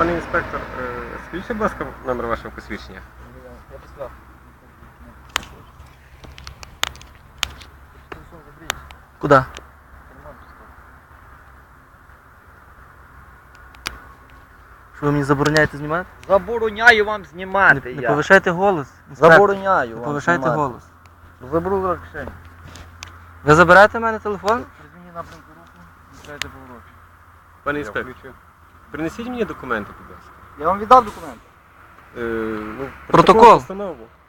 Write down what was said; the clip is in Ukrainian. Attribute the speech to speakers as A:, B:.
A: Пане інспектор, скажіть, будь ласка, номер вашого посвідчення.
B: Я писав.
C: Куда? Що ви мені забороняєте знімати?
B: Забороняю вам знімати.
C: Не
B: я.
C: повишайте голос. інспектор.
B: Забороняю
C: Не
B: вам
C: повишайте
B: знімати.
C: голос.
B: Заберу кишені.
C: Ви забираєте в мене телефон?
B: Призміні напрямку руку, відкрийте поворот.
A: Пане інспектор, принесіть мені документи, будь ласка.
B: Я вам віддав документи.
A: Ну,
C: Протокол.
A: Постанову.